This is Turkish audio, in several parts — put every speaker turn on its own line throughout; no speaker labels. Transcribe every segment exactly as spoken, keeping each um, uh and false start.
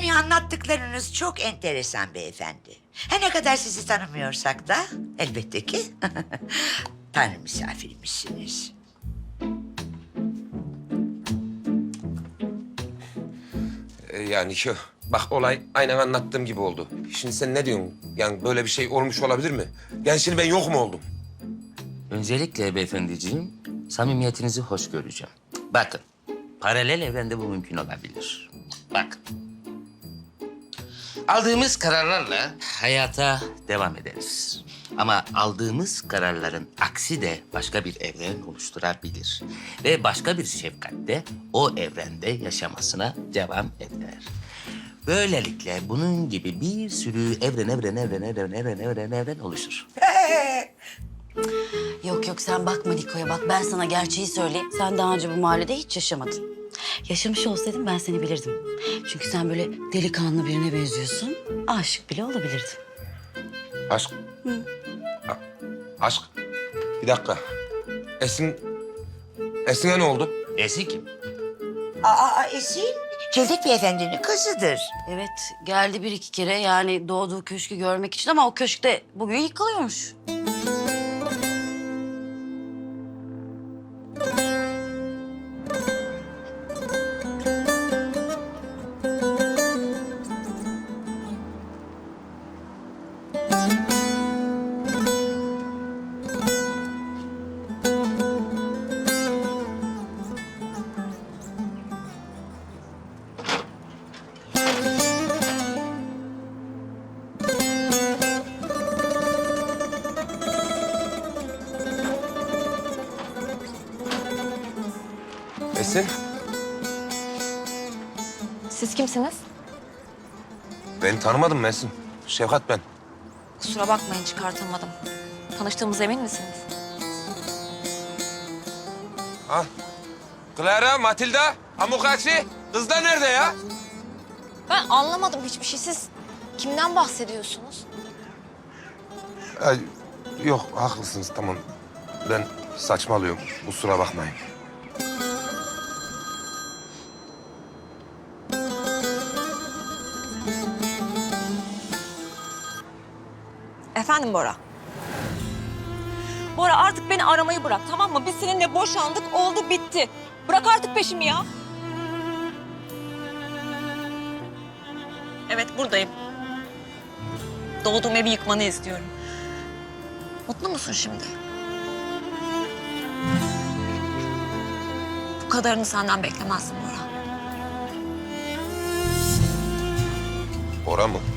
Yani anlattıklarınız çok enteresan beyefendi. Her ne kadar sizi tanımıyorsak da elbette ki Tanrı misafirimizsiniz.
Ee, yani şu, bak olay aynen anlattığım gibi oldu. Şimdi sen ne diyorsun? Yani böyle bir şey olmuş olabilir mi? Yani şimdi ben yok mu oldum?
Öncelikle beyefendiciğim, samimiyetinizi hoş göreceğim. Bakın, paralel evrende bu mümkün olabilir. Bakın. Aldığımız kararlarla hayata devam ederiz. Ama aldığımız kararların aksi de başka bir evren oluşturabilir. Ve başka bir şefkat de o evrende yaşamasına devam eder. Böylelikle bunun gibi bir sürü evren, evren, evren, evren, evren, evren, evren oluşur.
Yok yok sen bakma Niko'ya bak ben sana gerçeği söyleyeyim. Sen daha önce bu mahallede hiç yaşamadın. Yaşamış olsaydın ben seni bilirdim. Çünkü sen böyle delikanlı birine benziyorsun. Aşık bile olabilirdin.
Aşk. A- aşk. Bir dakika. Esin... Esin'e ne oldu?
Esi kim?
Aa, Esin, Cevdet Beyefendi'nin kızıdır.
Evet geldi bir iki kere yani doğduğu köşkü görmek için ama o köşkte bugün yıkılıyormuş.
Esin,
Siz kimsiniz?
beni tanımadın mı Esin? Şefkat ben.
Kusura bakmayın çıkartamadım. Tanıştığımıza emin misiniz?
Ha? Clara, Matilda, Amokachi. Kızlar nerede ya?
Ben anlamadım hiçbir şey. Siz kimden bahsediyorsunuz?
Ay, yok, haklısınız tamam. Ben saçmalıyorum. Kusura bakmayın.
Efendim Bora? Bora artık beni aramayı bırak tamam mı? Biz seninle boşandık, oldu bitti. Bırak artık peşimi ya. Evet buradayım. Doğduğum evi yıkmanı istiyorum. Mutlu musun şimdi? Bu kadarını senden beklemezdim Bora.
Bora mı?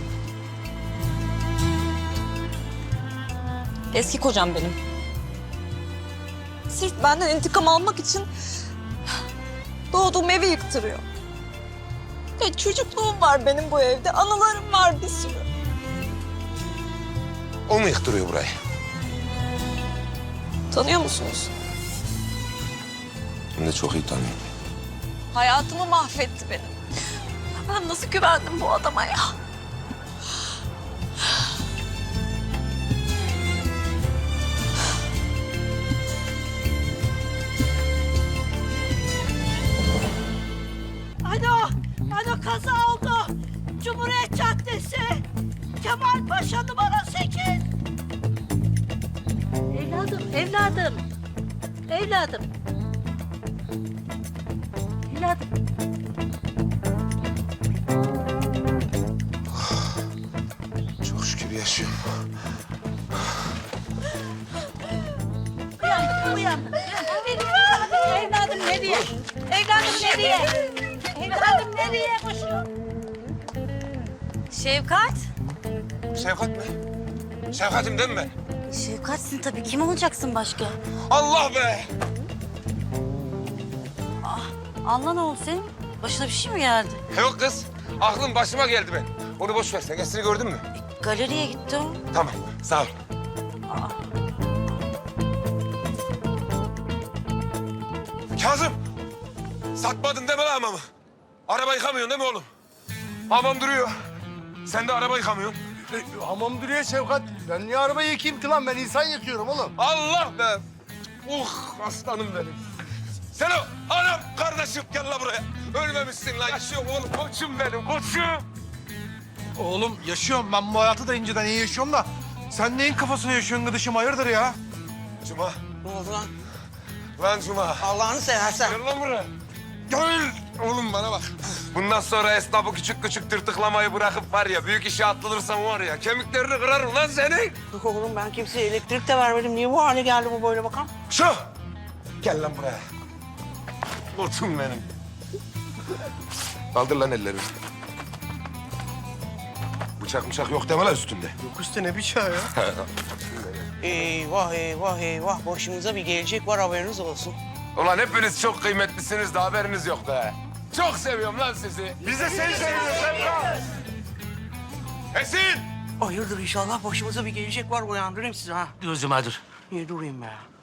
Eski kocam benim. Sırf benden intikam almak için doğduğum evi yıktırıyor. Ya çocukluğum var benim bu evde, anılarım var bir sürü.
O mu yıktırıyor burayı?
Tanıyor musunuz?
Ben de çok iyi tanıyorum.
Hayatımı mahvetti benim. Ben nasıl güvendim bu adama ya?
Alo, alo kaza oldu. Cumhuriyet Caddesi. Kemal Paşa numara sekiz. Evladım, evladım. Evladım. Evladım.
Çok şükür yaşıyorum.
Uyan, uyan. Evladım nereye? Evladım nereye? Evladım nereye koşuyor?
Şefkat.
Şefkat mi? Şefkatim değil mi ben?
Şefkatsin tabii kim olacaksın başka?
Allah be!
Allah ne oldu senin? Başına bir şey mi geldi?
Yok kız, aklım başıma geldi ben. Onu boş ver, sen Esin'i gördün mü?
Galeriye gitti o.
Tamam, sağ ol. Kazım! Satmadın deme lan hamamı. Araba yıkamıyorsun değil mi oğlum? Hamam duruyor. Sen de araba yıkamıyorsun.
E, hamam duruyor Şevkat. Ben niye arabayı yıkayayım ki lan? Ben insan yıkıyorum oğlum.
Allah be! Uh, aslanım benim. Sen o anam kardeşim gel la buraya. Ölmemişsin lan. Yaşıyorum oğlum, koçum benim, koçum.
Oğlum yaşıyorum. Ben bu hayatı da inceden iyi yaşıyorum da. Sen neyin kafasına yaşıyorsun gıdışım? Hayırdır ya?
Cuma.
Ne oldu lan?
Lan Cuma.
Allah'ını seversen.
Gel lan buraya. Gel. Oğlum bana bak. Bundan sonra esnafı küçük küçük tırtıklamayı bırakıp var ya büyük işe atlanırsan var ya kemiklerini kırarım lan seni.
Yok oğlum ben kimseye elektrik de vermedim. Niye bu hale geldi bu böyle bakalım?
Şu. Gel lan buraya. Kurtum benim. Kaldır lan ellerini. Bıçak bıçak yok deme lan üstünde.
Yok üstte ne bıçağı ya?
Eyvah eyvah eyvah. Başımıza bir gelecek var haberiniz olsun.
Ulan hepiniz çok kıymetlisiniz de haberiniz yok be. Çok seviyorum lan sizi. Biz de seni seviyoruz Semra. Esin!
Hayırdır inşallah başımıza bir gelecek var. Uyandırayım sizi ha.
Dur Cuma dur.
Niye durayım be?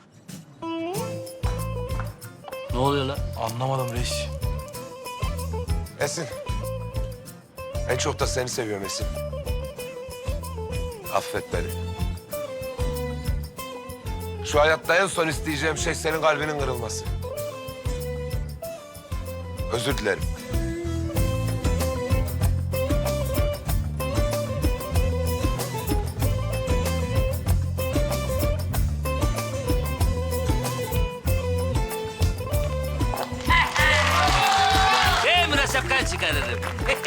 Ne oluyor lan?
Anlamadım reis.
Esin. En çok da seni seviyorum Esin. Affet beni. Şu hayatta en son isteyeceğim şey senin kalbinin kırılması. Özür dilerim.
Emre şapkan çıkarırım.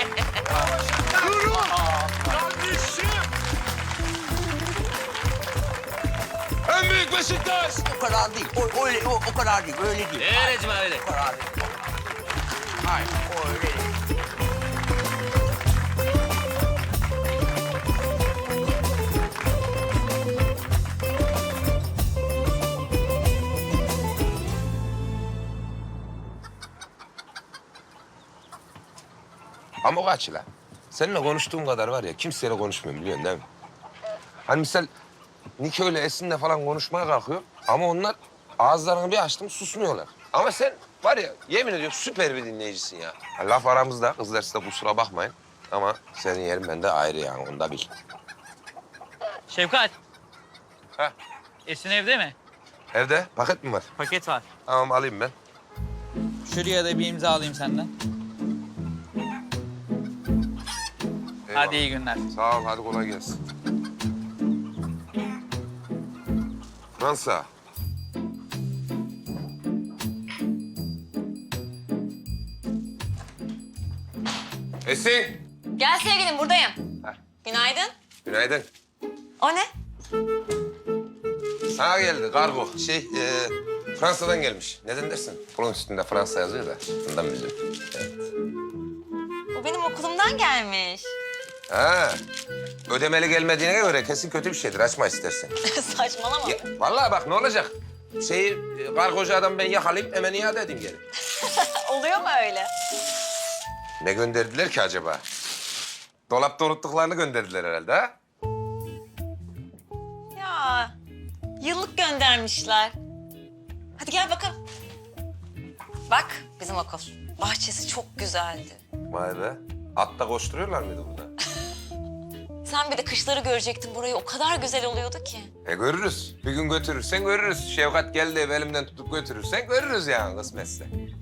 En büyük Beşiktaş!
O kadar değil. O, öyle, o, o kadar değil. Öyle değil.
Öyle Cuma öyle.
O kadar değil. Hayır, o öyle değil.
Ama o kaç lan? Seninle konuştuğum kadar var ya kimseyle konuşmuyorum biliyorsun değil mi? Hani misal Niko ile Esin'le falan konuşmaya kalkıyor ama onlar ağızlarını bir açtım susmuyorlar. Ama sen var ya yemin ediyorum süper bir dinleyicisin ya. Ha, laf aramızda kızlar size kusura bakmayın ama senin yerin bende ayrı yani onu da bil.
Şevkat.
Ha?
Esin evde mi?
Evde paket mi var?
Paket var.
Tamam alayım ben.
Şuraya da bir imza alayım senden.
Eyvallah.
Hadi iyi günler.
Sağ ol hadi kolay gelsin. Fransa. Esin.
Gel sevgilim buradayım.
Heh.
Günaydın.
Günaydın.
O ne?
Sana geldi kargo. Şey, e, Fransa'dan gelmiş. Neden dersin? Bunun üstünde Fransa yazıyor da. Bundan bildim. Evet.
O benim okulumdan gelmiş.
Ha, ödemeli gelmediğine göre kesin kötü bir şeydir. Açma istersen.
Saçmalama.
Ya, vallahi bak ne olacak? Şeyi, e, kargocu adam ben yakalayıp hemen iade edeyim geri.
Oluyor mu öyle?
Ne gönderdiler ki acaba? Dolapta unuttuklarını gönderdiler herhalde ha?
Ya yıllık göndermişler. Hadi gel bakalım. Bak bizim okul. Bahçesi çok güzeldi.
Vay be. Atta koşturuyorlar mıydı burada?
Sen bir de kışları görecektin burayı. O kadar güzel oluyordu ki.
E görürüz. Bir gün götürürsen görürüz. Şevkat geldi ev elimden tutup götürürsen görürüz yani kısmetse.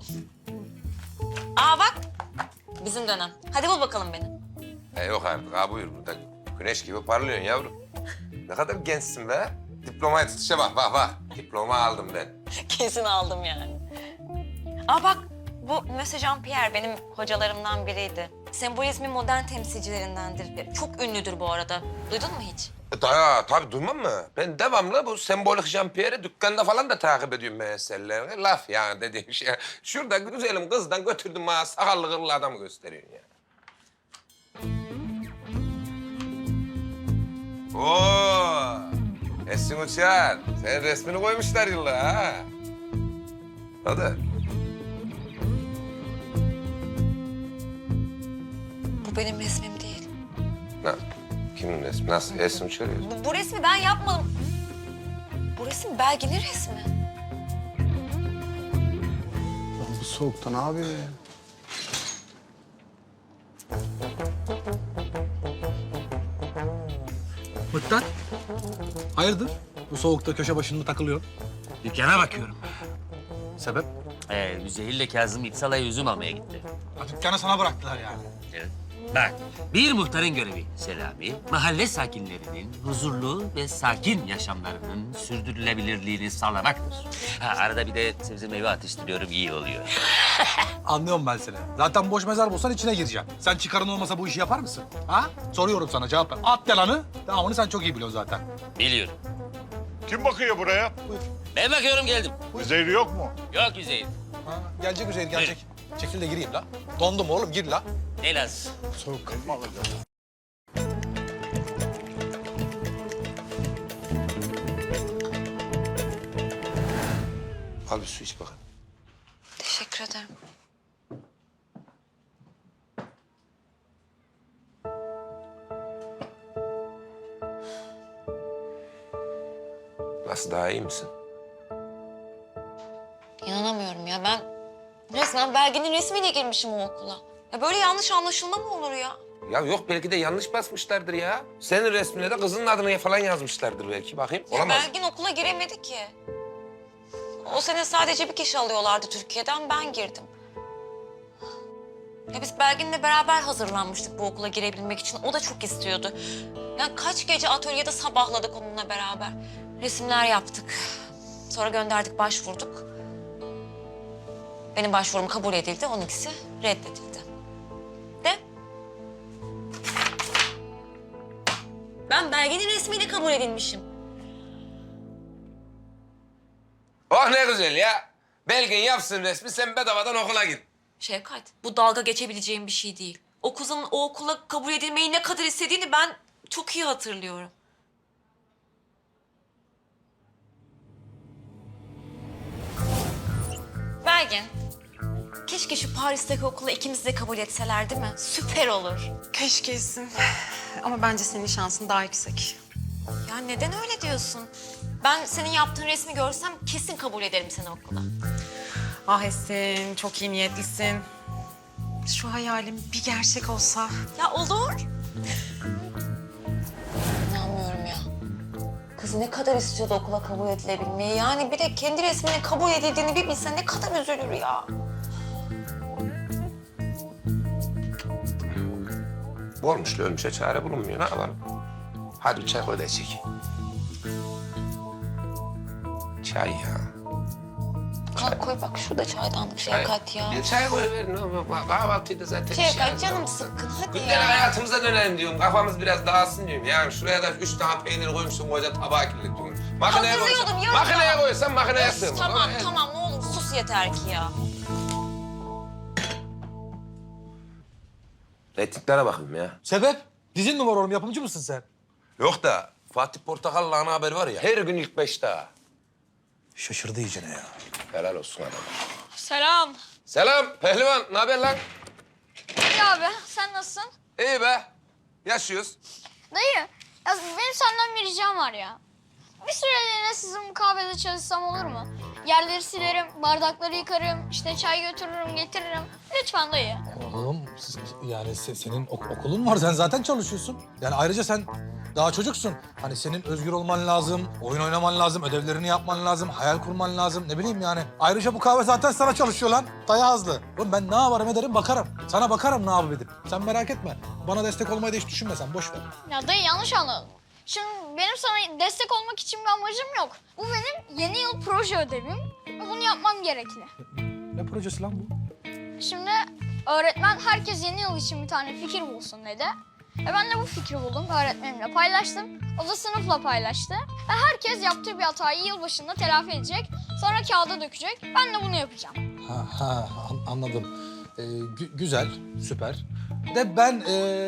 Aa bak. Bizim dönem. Hadi bul bakalım beni.
E yok artık ha buyur burada. Güneş gibi parlıyorsun yavrum. Ne kadar gençsin be. Diplomaya tutuşa bak bak bak. Diploma aldım ben.
Kesin aldım yani. Aa bak. Bu Monsieur Jean-Pierre benim hocalarımdan biriydi. Sembolizmin modern temsilcilerindendir. Çok ünlüdür bu arada. Duydun mu hiç?
E, ta, tabii duymam mı? Ben devamlı bu sembolik Jean-Pierre'i dükkanda falan da takip ediyorum meselelerini. Laf yani dediğim şey. Şurada güzelim kızdan götürdüm bana sakallı kırlı adamı gösteriyorsun ya. Oo, Esin Uçar. Senin resmini koymuşlar yıllar ha. Hadi.
Bu benim resmim değil.
Ne? Kimin resmi? Nasıl? Esin Uçar ya.
Bu, bu resmi ben yapmadım. Bu resim Belgin'in resmi.
Lan bu soğukta ne yapıyor ya?
Mıktat, hayırdır? Bu soğukta köşe başında takılıyor.
Dükkana bakıyorum.
Sebep?
Ee, Üzeyir'le Kazım İpsal'a üzüm almaya gitti.
Ha, dükkanı sana bıraktılar yani.
Evet. Bak, bir muhtarın görevi Selami, mahalle sakinlerinin huzurlu ve sakin yaşamlarının sürdürülebilirliğini sağlamaktır. Ha, arada bir de sebze meyve atıştırıyorum, iyi oluyor.
Anlıyorum ben seni. Zaten boş mezar bulsan içine gireceğim. Sen çıkarın olmasa bu işi yapar mısın? Ha? Soruyorum sana, cevap ver. At yalanı. Devamını sen çok iyi biliyorsun zaten.
Biliyorum.
Kim bakıyor buraya?
Ben bakıyorum, geldim.
Üzeri yok mu?
Yok Üzeyir.
Ha, gelecek Üzeyir, gelecek. Çekil de gireyim la. Dondum oğlum, gir la.
Ne lazım?
Soğuk kalma alacağım.
Al bir su iç bakalım.
Teşekkür ederim.
Nasıl, daha iyi misin?
İnanamıyorum ya. Ben resmen Belgin'in resmiyle girmişim o okula. Ya böyle yanlış anlaşılma mı olur ya?
Ya yok, belki de yanlış basmışlardır ya. Senin resmine de kızının adını falan yazmışlardır belki. Bakayım,
Ya
olamaz.
Belgin okula giremedi ki. O sene sadece bir kişi alıyorlardı Türkiye'den, ben girdim. Ya biz Belgin'le beraber hazırlanmıştık bu okula girebilmek için. O da çok istiyordu. Yani kaç gece atölyede sabahladık onunla beraber. Resimler yaptık. Sonra gönderdik, başvurduk. Benim başvurum kabul edildi, onunkisi reddedildi. De. Ben Belgin'in resmiyle kabul edilmişim.
Oh ne güzel ya. Belgin yapsın resmi, sen bedavadan okula git.
Şevkat, bu dalga geçebileceğim bir şey değil. O kızın o okula kabul edilmeyi ne kadar istediğini ben çok iyi hatırlıyorum. Belgin, keşke şu Paris'teki okula ikimizi de kabul etseler değil mi? Süper olur.
Keşkesin. Ama bence senin şansın daha yüksek.
Ya neden öyle diyorsun? Ben senin yaptığın resmi görsem kesin kabul ederim seni okula.
Ah Esin, çok iyi niyetlisin. Şu hayalim bir gerçek olsa.
Ya olur. İnanmıyorum ya. Kız ne kadar istiyordu okula kabul edilebilmeyi. Yani bir de kendi resminin kabul edildiğini bir bilse ne kadar üzülür ya.
Bu olmuş, ölmüşe çare bulunmuyor. Ne yapalım? Hadi bir çay koy da içek. Çay ya.
Kalk koy bak şurada çaydanlık Şevkat ya.
Bir çay koy verin. Kahvaltıyı da zaten
Şevkat canım sıkkın hadi
Günlük
ya.
hayatımıza dönelim diyorum. Kafamız biraz dağılsın diyorum. Yani şuraya da üç tane peynir koymuşsun, koca tabağı kirletiyorum. Makineye
Hazırlıyordum,
koysan,
yarın
makineye
ya.
koysan makineye sığmaz.
Tamam
Ama-
tamam ne olur sus yeter ki ya.
Reytinglere bakayım ya.
Sebep? Dizin mi var oğlum? Yapımcı mısın sen?
Yok da Fatih Portakal'la ana haber var ya, her gün ilk beşte ha.
Şaşırdı iyicene ya.
Helal olsun adam.
Selam.
Selam pehlivan, ne haber lan?
İyi abi, sen nasılsın?
İyi be, yaşıyoruz.
Dayı, ya benim senden bir ricam var ya. Bir süreliğine sizin bu kahvede çalışsam olur mu? Yerleri silerim, bardakları yıkarım, işte çay götürürüm, getiririm. Lütfen dayı.
Oğlum siz- yani se- senin ok- okulun var, sen zaten çalışıyorsun. Yani ayrıca sen daha çocuksun. Hani senin özgür olman lazım, oyun oynaman lazım, ödevlerini yapman lazım, hayal kurman lazım. Ne bileyim yani. Ayrıca bu kahve zaten sana çalışıyor lan. Daya azlı. Oğlum ben ne yaparım ederim bakarım. Sana bakarım ne yapıp edip. Sen merak etme. Bana destek olmayı da hiç düşünme sen, boş ver.
Ya dayı yanlış anladın. Şimdi benim sana destek olmak için bir amacım yok. Bu benim yeni yıl proje ödevim ve bunu yapmam gerekli.
Ne projesi lan bu?
Şimdi öğretmen herkes yeni yıl için bir tane fikir bulsun dedi. Ve ben de bu fikri buldum, öğretmenimle paylaştım. O da sınıfla paylaştı. Ve herkes yaptığı bir hatayı yılbaşında telafi edecek. Sonra kağıda dökecek. Ben de bunu yapacağım.
Ha, ha an- anladım. Ee, gü- güzel, süper. De ben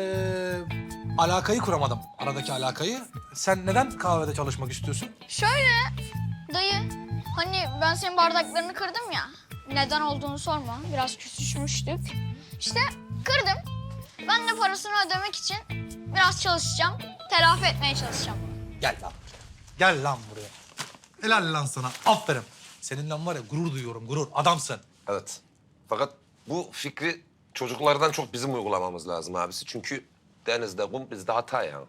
ee, alakayı kuramadım, aradaki alakayı. Sen neden kahvede çalışmak istiyorsun?
Şöyle dayı, hani ben senin bardaklarını kırdım ya. Neden olduğunu sorma, biraz küsüşmüştük. İşte kırdım. Ben de parasını ödemek için biraz çalışacağım. Telafi etmeye çalışacağım.
Gel lan. Gel lan buraya. Helal lan sana. Aferin. Seninle var ya gurur duyuyorum, gurur. Adamsın.
Evet. Fakat bu fikri çocuklardan çok bizim uygulamamız lazım abisi. Çünkü denizde kum, bizde hata ya.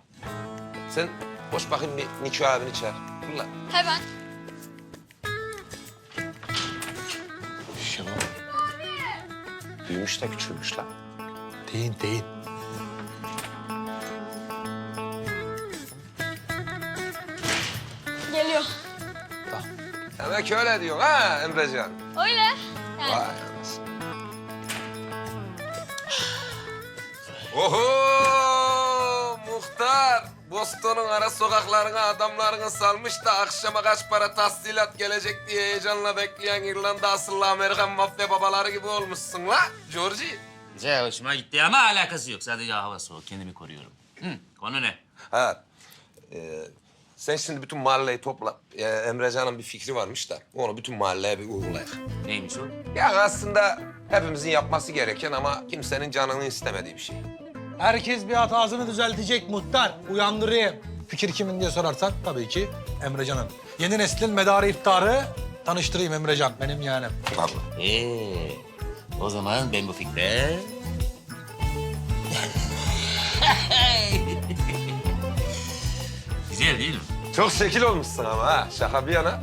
Sen boş bakayım bir Niko abini çağır. Fırla.
Hemen.
Şenol. Büyümüş de küçülmüş lan.
Değil, değil.
Demek öyle diyorsun ha Emrecan?
Öyle. Yani.
Vay anasını. Oho muhtar. Boston'un ara sokaklarına adamlarını salmış da akşama kaç para tahsilat gelecek diye heyecanla bekleyen İrlanda asıllı Amerikan mafya babaları gibi olmuşsun la Georgie.
Güzel, hoşuma gitti ama alakası yok. Sadece hava soğuk, kendimi koruyorum. Hı, konu ne?
Ha, e, sen şimdi bütün mahalleyi topla. E, Emrecan'ın bir fikri varmış da onu bütün mahalleye bir uygulayalım.
Neymiş o?
Yani aslında hepimizin yapması gereken ama kimsenin canını istemediği bir şey.
Herkes bir hatasını düzeltecek muhtar. Uyandırayım. Fikir kimin diye sorarsan tabii ki Emrecan'ın. Yeni neslin medarı iftarı tanıştırayım Emrecan. Benim yeğenim.
Vallahi.
Ee, o zaman ben bu fikre... Güzel değil mi?
Çok şekil olmuşsun ama ha. Şaka bir yana.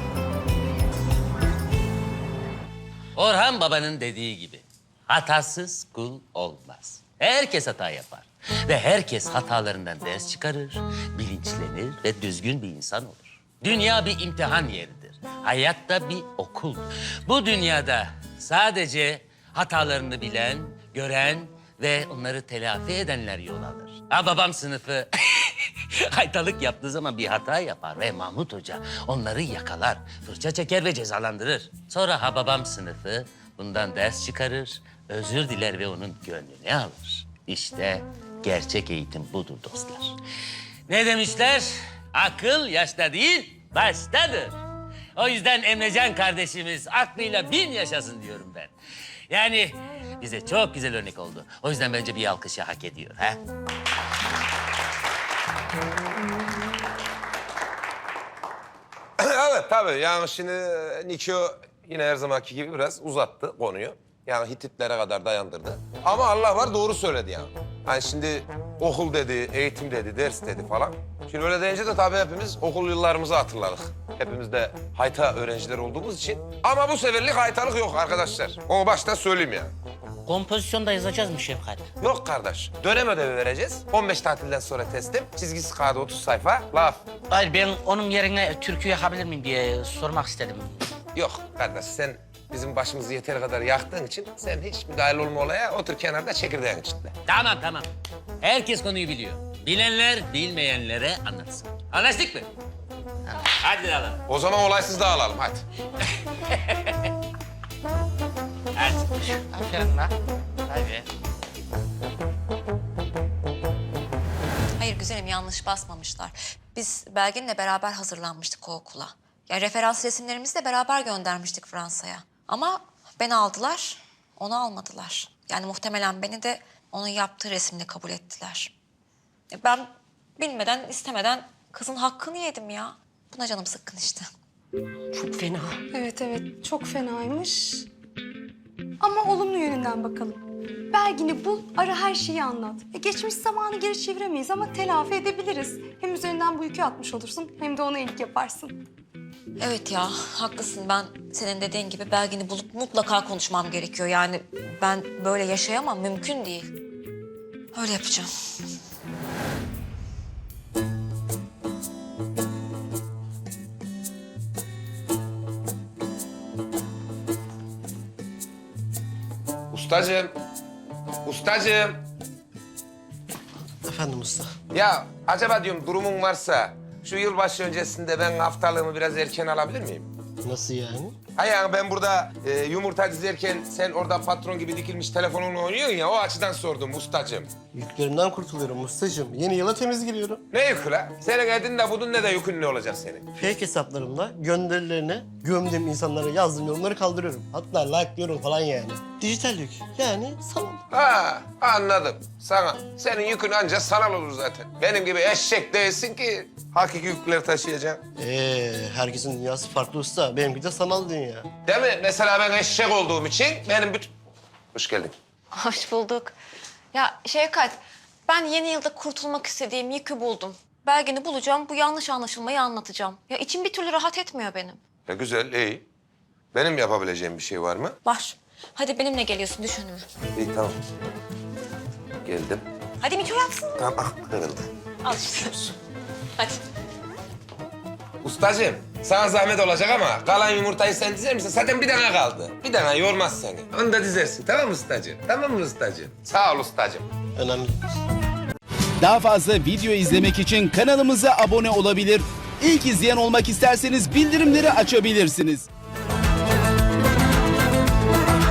Orhan Baba'nın dediği gibi hatasız kul olmaz. Herkes hata yapar ve herkes hatalarından ders çıkarır, bilinçlenir ve düzgün bir insan olur. Dünya bir imtihan yeridir. Hayat da bir okul. Bu dünyada sadece hatalarını bilen, gören ve onları telafi edenler yol alır. Ha babam sınıfı haytalık yaptığı zaman bir hata yapar ve Mahmut Hoca onları yakalar, fırça çeker ve cezalandırır. Sonra ha babam sınıfı bundan ders çıkarır, özür diler ve onun gönlünü alır. İşte gerçek eğitim budur dostlar. Ne demişler? Akıl yaşta değil, baştadır. O yüzden Emrecan kardeşimiz aklıyla bin yaşasın diyorum ben. Yani bize çok güzel örnek oldu. O yüzden bence bir alkışı hak ediyor. Ha?
Evet tabii yani şimdi Nikio yine her zamanki gibi biraz uzattı konuyu. Yani Hititlere kadar dayandırdı. Ama Allah var doğru söyledi yani. Hani şimdi okul dedi, eğitim dedi, ders dedi falan. Şimdi öyle deyince de tabii hepimiz okul yıllarımızı hatırladık. Hepimiz de hayta öğrenciler olduğumuz için. Ama bu seferlik haytalık yok arkadaşlar. Onu baştan söyleyeyim yani.
Kompozisyonda yazacağız mı Şefkat?
Yok kardeş. Dönem ödevi vereceğiz. on beş tatilden sonra teslim. Çizgisi kağıdı otuz sayfa. Laf.
Hayır ben onun yerine türkü yakabilir miyim diye sormak istedim.
Yok kardeş sen bizim başımızı yeteri kadar yaktığın için sen hiç müdahil olma olaya otur kenarda çekirdeğin içinde.
Tamam tamam. Herkes konuyu biliyor. Bilenler bilmeyenlere anlatsın. Anlaştık mı? Tamam. Hadi alalım.
O zaman olaysız dağılalım hadi.
Hadi.
Aferin lan.
Hadi.
Hayır güzelim yanlış basmamışlar. Biz Belgin'le beraber hazırlanmıştık o okula. Yani referans resimlerimizi de beraber göndermiştik Fransa'ya. Ama beni aldılar, onu almadılar. Yani muhtemelen beni de onun yaptığı resimle kabul ettiler. E Ben bilmeden, istemeden kızın hakkını yedim ya. Buna canım sıkkın işte.
Çok fena.
Evet evet çok fenaymış. Ama olumlu yönünden bakalım. Belgin'i bul, ara her şeyi anlat. E, geçmiş zamanı geri çeviremeyiz ama telafi edebiliriz. Hem üzerinden bu yükü atmış olursun hem de ona iyilik yaparsın.
Evet ya, haklısın. Ben senin dediğin gibi Belgin'i bulup mutlaka konuşmam gerekiyor. Yani ben böyle yaşayamam, mümkün değil. Öyle yapacağım.
Ustacığım. Ustacığım.
Efendim usta.
Ya acaba diyorum durumun varsa şu yılbaşı öncesinde ben haftalığımı biraz erken alabilir miyim?
Nasıl yani?
Ha yani ben burada e, yumurta dizerken sen orada patron gibi dikilmiş telefonunla oynuyorsun ya o açıdan sordum ustacığım.
Yüklerimden kurtuluyorum ustacığım. Yeni yıla temiz giriyorum.
Ne yükü la? Senin edin de budun ne de yükün ne olacak senin?
Fake hesaplarımla gönderilerine gömdüğüm insanlara yazdığım yorumları kaldırıyorum. Hatta like'lıyorum falan yani. Dijital yük. Yani sanal.
Ha anladım. Sana. Senin yükün ancak sanal olur zaten. Benim gibi eşek değilsin ki hakiki yükleri taşıyacaksın.
Ee, herkesin dünyası farklı usta. Benimki de sanal dünya.
Değil mi? Mesela ben eşek olduğum için benim bütün... Hoş geldin.
Hoş bulduk. Ya Şevkat, ben yeni yılda kurtulmak istediğim yükü buldum. Belgin'i bulacağım, bu yanlış anlaşılmayı anlatacağım. Ya içim bir türlü rahat etmiyor benim.
Ya güzel, iyi. Benim yapabileceğim bir şey var mı?
Var. Hadi benimle geliyorsun, düş önüme.
İyi, tamam. Geldim.
Hadi Mito yapsın.
Tamam, ah, kırıldı.
Al işte. Hadi.
Ustacığım, Sana zahmet olacak ama kalan yumurtayı sen dizer misin? Zaten bir tane kaldı. Bir tane yormaz seni. Onu da dizersin. Tamam mı ustacığım? Tamam mı ustacığım? Sağ ol ustacığım.
Önemli.
Daha fazla video izlemek için kanalımıza abone olabilir. İlk izleyen olmak isterseniz bildirimleri açabilirsiniz.